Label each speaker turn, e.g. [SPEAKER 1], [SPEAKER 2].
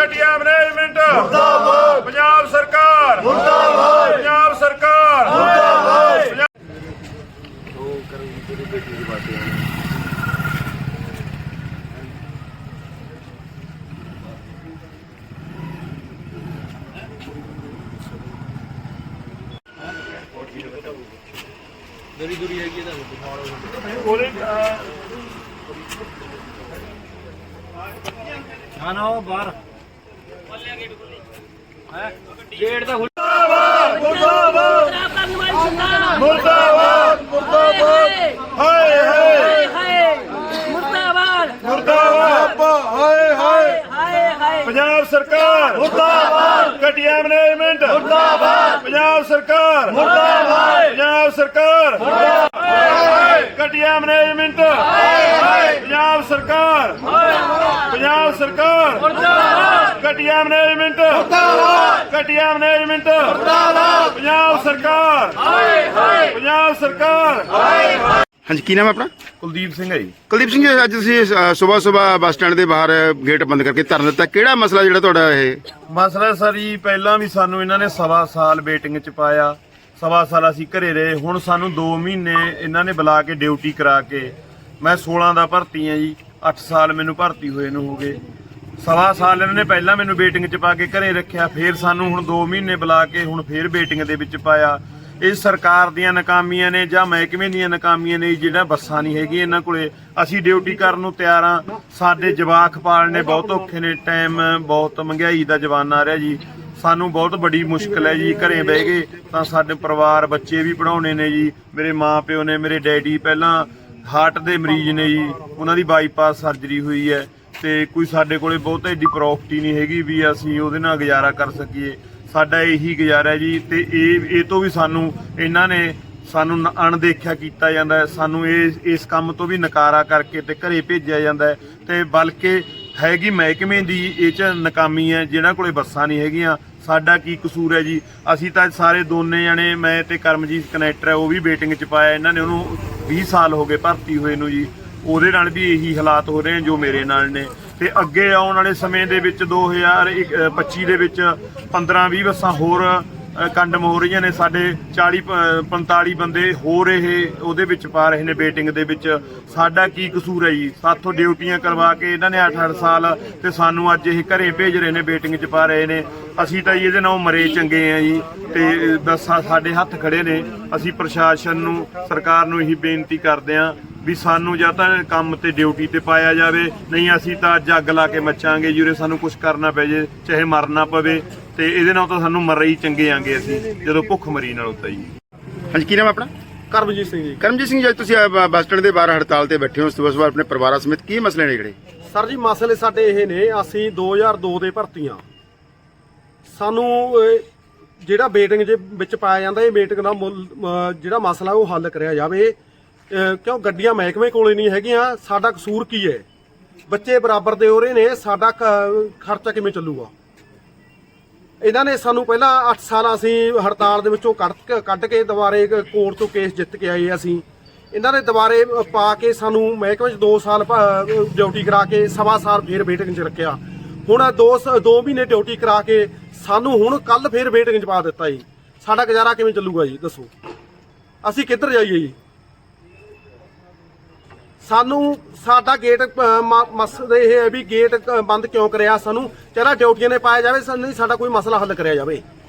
[SPEAKER 1] घटिया मैनेजमेंट मुर्दाबाद, पंजाब सरकार मुर्दाबाद, पंजाब सरकार मुर्दाबाद।
[SPEAKER 2] दूरी दूरी है ना बाहर गेट तो
[SPEAKER 1] मुर्दाबाद मुर्दाबाद मुर्दाबाद मुर्दाबाद हाय हाय
[SPEAKER 3] मुर्दाबाद
[SPEAKER 1] मुर्दाबाद हाय हाय पंजाब सरकार मुर्दाबाद, घटिया मैनेजमेंट मुर्दाबाद, पंजाब सरकार मुर्दाबाद, पंजाब सरकार मुर्दाबाद, घटिया मैनेजमेंट पंजाब सरकार पंजाब सरकार मुर्दाबाद, घटिया मैनेजमेंट मुर्दाबाद, घटिया मैनेजमेंट मुर्दाबाद, पंजाब सरकार पंजाब सरकार।
[SPEAKER 4] ਹਾਂਜੀ ਕੀ ਨਾਮ ਹੈ ਆਪਣਾ?
[SPEAKER 1] ਕੁਲਦੀਪ ਸਿੰਘ ਹੈ ਜੀ।
[SPEAKER 4] ਕੁਲਦੀਪ ਸਿੰਘ ਜੀ, ਅੱਜ ਤੁਸੀਂ ਸਵੇਰ ਬੱਸ ਸਟੈਂਡ ਦੇ ਬਾਹਰ ਗੇਟ ਬੰਦ ਕਰਕੇ ਧਰਨਾ ਦਿੱਤਾ, ਕਿਹੜਾ ਮਸਲਾ ਜਿਹੜਾ ਤੁਹਾਡਾ ਇਹ?
[SPEAKER 1] ਮਸਲਾ ਸਰ ਜੀ, ਪਹਿਲਾਂ ਵੀ ਸਾਨੂੰ ਇਹਨਾਂ ਨੇ 1.25 ਸਾਲ ਵੇਟਿੰਗ ਚ ਪਾਇਆ, 1.25 ਸਾਲ ਅਸੀਂ ਘਰੇ ਰਹੇ। ਹੁਣ ਸਾਨੂੰ 2 ਮਹੀਨੇ ਇਹਨਾਂ ਨੇ ਬੁਲਾ ਕੇ ਡਿਊਟੀ ਕਰਾ ਕੇ, ਮੈਂ 16 ਦਾ ਭਰਤੀ ਆ ਜੀ, 8 ਸਾਲ ਮੈਨੂੰ ਭਰਤੀ ਹੋਏ ਨੂੰ ਹੋ ਗਏ। 1.25 ਸਾਲ ਇਹਨਾਂ ਨੇ ਪਹਿਲਾਂ ਮੈਨੂੰ ਵੇਟਿੰਗ ਚ ਪਾ ਕੇ ਘਰੇ ਰੱਖਿਆ, ਫੇਰ ਸਾਨੂੰ ਹੁਣ 2 ਮਹੀਨੇ ਬੁਲਾ ਕੇ ਹੁਣ ਫੇਰ ਵੇਟਿੰਗ ਦੇ ਵਿੱਚ ਪਾਇਆ। ਇਹ ਸਰਕਾਰ ਦੀਆਂ ਨਾਕਾਮੀਆਂ ਨੇ ਜਾਂ ਮਹਿਕਮੇ ਦੀਆਂ ਨਾਕਾਮੀਆਂ ਨੇ, ਜਿਹੜਾ ਬੱਸਾਂ ਨਹੀਂ ਹੈਗੀ ਇਹਨਾਂ ਕੋਲੇ। ਅਸੀਂ ਡਿਊਟੀ ਕਰਨ ਨੂੰ ਤਿਆਰ ਆ, ਸਾਡੇ ਜਵਾਕ ਪਾਲਣੇ ਬਹੁਤ ਔਖੇ ਨੇ, ਟਾਈਮ ਬਹੁਤ ਮਹਿੰਗਾਈ ਦਾ ਜ਼ਮਾਨਾ ਆ ਰਿਹਾ ਜੀ, ਸਾਨੂੰ ਬਹੁਤ ਵੱਡੀ ਮੁਸ਼ਕਲ ਹੈ ਜੀ। ਘਰੇ ਬਹਿ ਗਏ ਤਾਂ ਸਾਡੇ ਪਰਿਵਾਰ ਬੱਚੇ ਵੀ ਪੜਾਉਣੇ ਨੇ ਜੀ, ਮੇਰੇ ਮਾਂ ਪਿਓ ਨੇ, ਮੇਰੇ ਡੈਡੀ ਪਹਿਲਾਂ ਹਾਰਟ ਦੇ ਮਰੀਜ਼ ਨੇ ਜੀ, ਉਹਨਾਂ ਦੀ ਬਾਈਪਾਸ ਸਰਜਰੀ ਹੋਈ ਹੈ, ਤੇ ਕੋਈ ਸਾਡੇ ਕੋਲੇ ਬਹੁਤ ਐਡੀ ਪ੍ਰੋਪਰਟੀ ਨਹੀਂ ਹੈਗੀ ਵੀ ਅਸੀਂ ਉਹਦੇ ਨਾਲ ਗੁਜ਼ਾਰਾ ਕਰ ਸਕੀਏ। ਸਾਡਾ ਇਹੀ ਗੁਜ਼ਾਰਾ ਜੀ, ਤੇ ਇਹ ਤੋਂ ਵੀ ਸਾਨੂੰ ਇਹਨਾਂ ਨੇ ਸਾਨੂੰ ਅਣਦੇਖਿਆ ਕੀਤਾ ਜਾਂਦਾ ਹੈ, ਸਾਨੂੰ ਇਸ ਕੰਮ ਤੋਂ ਵੀ ਨਕਾਰਾ ਕਰਕੇ ਤੇ ਘਰੇ ਭੇਜਿਆ ਜਾਂਦਾ ਹੈ। ਤੇ ਬਲਕਿ ਹੈਗੀ ਮਹਿਕਮੇ ਦੀ ਇਹ 'ਚ ਨਾਕਾਮੀ ਹੈ, ਜਿਹਨਾਂ ਕੋਲੇ ਬੱਸਾਂ ਨਹੀਂ ਹੈਗੀਆਂ। ਸਾਡਾ ਕੀ ਕਸੂਰ ਹੈ ਜੀ? ਅਸੀਂ ਤਾਂ ਸਾਰੇ ਦੋਨੇ ਜਣੇ, ਮੈਂ ਤੇ ਕਰਮਜੀਤ ਕਨੈਕਟਰ ਹੈ, ਉਹ ਵੀ ਵੇਟਿੰਗ 'ਚ ਪਾਇਆ, ਇਹਨਾਂ ਨੇ ਉਹਨੂੰ 20 ਸਾਲ ਹੋ ਗਏ ਭਰਤੀ ਹੋਏ ਨੂੰ ਜੀ। ਉਹਦੇ ਨਾਲ ਵੀ ਇਹੀ ਹਾਲਾਤ ਹੋ ਰਹੇ ਨੇ ਜੋ ਮੇਰੇ ਨਾਲ ਨੇ। ਤੇ ਅੱਗੇ ਆਉਣ ਵਾਲੇ ਸਮੇਂ ਦੇ ਵਿੱਚ 2025 ਦੇ ਵਿੱਚ 15-20 ਬੱਸਾਂ ਹੋਰ ਕੰਡਮ ਹੋ ਰਹੀਆਂ ਨੇ। ਸਾਡੇ 40-45 ਬੰਦੇ ਹੋਰ ਇਹ ਉਹਦੇ ਵਿੱਚ ਪਾ ਰਹੇ ਨੇ ਵੇਟਿੰਗ ਦੇ ਵਿੱਚ। ਸਾਡਾ ਕੀ ਕਸੂਰ ਹੈ ਜੀ? ਸਾਥੋਂ ਡਿਊਟੀਆਂ ਕਰਵਾ ਕੇ ਇਹਨਾਂ ਨੇ 8-8 ਸਾਲ, ਤੇ ਸਾਨੂੰ ਅੱਜ ਇਹ ਘਰੇ ਭੇਜ ਰਹੇ ਨੇ, ਵੇਟਿੰਗ 'ਚ ਪਾ ਰਹੇ ਨੇ। ਅਸੀਂ ਤਾਂ ਇਹਦੇ ਨਾਲ ਮਰੇ ਚੰਗੇ ਆ ਜੀ, ਤੇ ਬੱਸਾਂ ਸਾਡੇ ਹੱਥ ਖੜੇ ਨੇ। ਅਸੀਂ ਪ੍ਰਸ਼ਾਸਨ ਨੂੰ, ਸਰਕਾਰ ਨੂੰ ਇਹੀ ਬੇਨਤੀ ਕਰਦੇ ਹਾਂ ਵੀ ਸਾਨੂੰ ਜਾਂ ਤਾਂ ਕੰਮ ਤੇ ਡਿਊਟੀ ਤੇ ਪਾਇਆ ਜਾਵੇ, ਨਹੀਂ ਅਸੀਂ ਤਾਂ ਅੱਜ ਅੱਗ ਲਾ ਕੇ ਮੱਚਾਂਗੇ ਜੀ। ਉਰੇ ਸਾਨੂੰ ਕੁਝ ਕਰਨਾ ਪੈ ਜੇ, ਚਾਹੇ ਮਰਨਾ ਪਵੇ, ਤੇ ਇਹਦੇ ਨਾਲ ਤਾਂ ਸਾਨੂੰ ਮਰੇ ਹੀ ਚੰਗੇ ਆਂਗੇ ਅਸੀਂ, ਜਦੋਂ ਭੁੱਖ ਮਰੀ ਨਾਲ ਹੁੰਦਾ ਜੀ।
[SPEAKER 4] ਹਾਂਜੀ ਕੀ ਨਾਮ ਹੈ ਆਪਣਾ?
[SPEAKER 2] ਕਰਮਜੀਤ ਸਿੰਘ ਜੀ।
[SPEAKER 4] ਕਰਮਜੀਤ ਸਿੰਘ ਜੀ, ਅੱਜ ਤੁਸੀਂ ਬੱਸ ਸਟੈਂਡ ਦੇ ਬਾਹਰ ਹੜਤਾਲ ਤੇ ਬੈਠੇ ਹੋ ਸਵੇਰ ਆਪਣੇ ਪਰਿਵਾਰਾਂ ਸਮੇਤ, ਕੀ ਮਸਲੇ ਨੇ ਜਿਹੜੇ?
[SPEAKER 2] ਸਰ ਜੀ, ਮਸਲੇ ਸਾਡੇ ਇਹ ਨੇ, ਅਸੀਂ 2002 ਦੇ ਭਰਤੀਆਂ, ਸਾਨੂੰ ਜਿਹੜਾ ਵੇਟਿੰਗ ਦੇ ਵਿੱਚ ਪਾਇਆ ਜਾਂਦਾ, ਇਹ ਵੇਟਿੰਗ ਦਾ ਜਿਹੜਾ ਮਸਲਾ ਉਹ ਹੱਲ ਕਰਿਆ ਜਾਵੇ। ਕਿਉਂ ਗੱਡੀਆਂ ਮਹਿਕਮੇ ਕੋਲੇ ਨਹੀਂ ਹੈਗੀਆਂ? ਸਾਡਾ ਕਸੂਰ ਕੀ ਹੈ? ਬੱਚੇ ਬਰਾਬਰ ਦੇ ਹੋ ਰਹੇ ਨੇ, ਸਾਡਾ ਖਰਚਾ ਕਿਵੇਂ ਚੱਲੂਗਾ? ਇਹਨਾਂ ਨੇ ਸਾਨੂੰ ਪਹਿਲਾਂ 8 ਸਾਲ ਅਸੀਂ ਹੜਤਾਲ ਦੇ ਵਿੱਚੋਂ ਕੱਢ ਕੇ ਦੁਬਾਰੇ ਕੋਰਟ ਤੋਂ ਕੇਸ ਜਿੱਤ ਕੇ ਆਏ। ਅਸੀਂ ਇਹਨਾਂ ਨੇ ਦੁਬਾਰੇ ਪਾ ਕੇ ਸਾਨੂੰ ਮਹਿਕਮੇ 'ਚ 2 ਸਾਲ ਡਿਊਟੀ ਕਰਾ ਕੇ 1.25 ਸਾਲ ਫੇਰ ਵੇਟਿੰਗ 'ਚ ਰੱਖਿਆ। ਹੁਣ 2 ਮਹੀਨੇ ਡਿਊਟੀ ਕਰਾ ਕੇ ਸਾਨੂੰ ਹੁਣ ਕੱਲ ਫੇਰ ਵੇਟਿੰਗ 'ਚ ਪਾ ਦਿੱਤਾ ਜੀ। ਸਾਡਾ ਗੁਜ਼ਾਰਾ ਕਿਵੇਂ ਚੱਲੂਗਾ ਜੀ? ਦੱਸੋ, ਅਸੀਂ ਕਿੱਧਰ ਜਾਈਏ ਜੀ? ਸਾਨੂੰ ਸਾਡਾ ਗੇਟ ਮਸਲਾ ਇਹ ਹੈ ਵੀ ਗੇਟ ਬੰਦ ਕਿਉਂ ਕਰਿਆ? ਸਾਨੂੰ ਚਲੋ ਡਿਊਟੀਆਂ ਨੇ ਪਾਇਆ ਜਾਵੇ, ਨਹੀਂ ਸਾਡਾ ਕੋਈ ਮਸਲਾ ਹੱਲ ਕਰਿਆ ਜਾਵੇ।